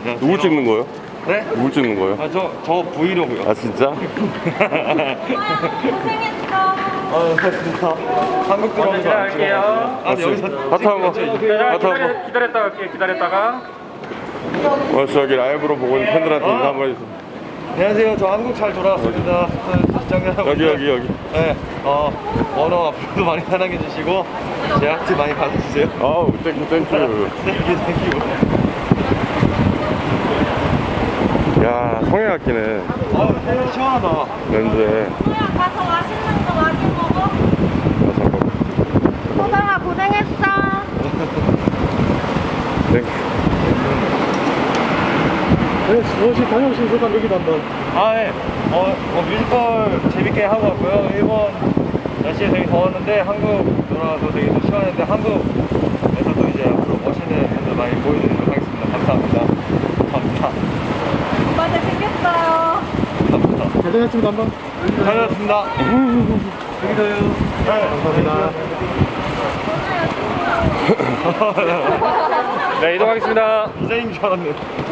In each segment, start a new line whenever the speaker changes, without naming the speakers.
누구 찍는 거예요?
네?
누구 찍는 거예요?
아, 저 브이로그요.
아 진짜?
고생했어.
아, 진짜. 한국 들어오는 거 안 찍어요. 아, 여기서
하트 한번. 하트 한번.
기다렸다가 갈게요. 기다렸다가.
저기 라이브로 보고 있는 팬들한테 인사 한번 해주세요.
안녕하세요. 저 한국 잘 돌아왔습니다. 시청자 여러분.
여기.
네. 언어 앞으로도 많이 사랑해 주시고 제 아트 많이 받아주세요.
아우 땡큐.
땡큐.
야 성형학기네
아, 시원하다.
렌즈에.
소야 가서 맛있는 거 많이 먹어. 소장아 고생했어.
땡큐.
무엇이 다녀오신 소감 얘기도 한번.
아, 네. 뮤지컬 재밌게 하고 왔고요. 일본 날씨에 되게 더웠는데 한국 돌아와서 되게 또 시원했는데 한국에서도 이제 앞으로 멋있는 분들 많이 보여드리도록 하겠습니다. 감사합니다.
오빠 잘생겼어요.
감사합니다.
고생했습니다 한번.
잘했습니다. 여기도요. 네, 감사합니다.
네, 이동하겠습니다.
이자인 줄 알았네.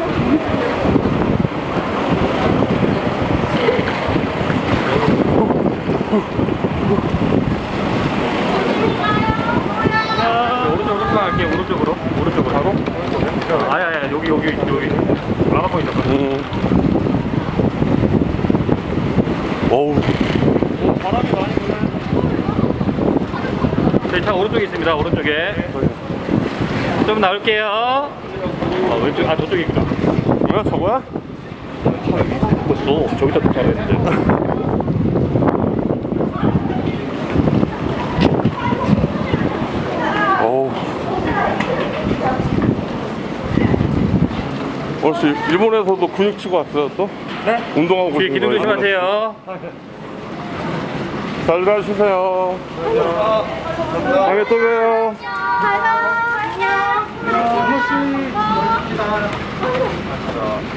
오른쪽으로 갈게요. 오른쪽으로. 바로? 아야, 여기. 라마코 있었거든.
어우
바람이 많이 부네.
저희 차 오른쪽에 있습니다. 오른쪽에. 좀 나올게요. 왼쪽, 저쪽이구나.
뭐야 저거야?
벌써 저기다 도착을 했는데.
어우 혹시 일본에서도 근육 치고 왔어요 또?
네?
운동하고
뒤에
있는
기둥
거예요?
조심하세요.
잘 가시세요.
감사합니다.
다음에 또 봬요.
가요. 안녕.
한 번씩.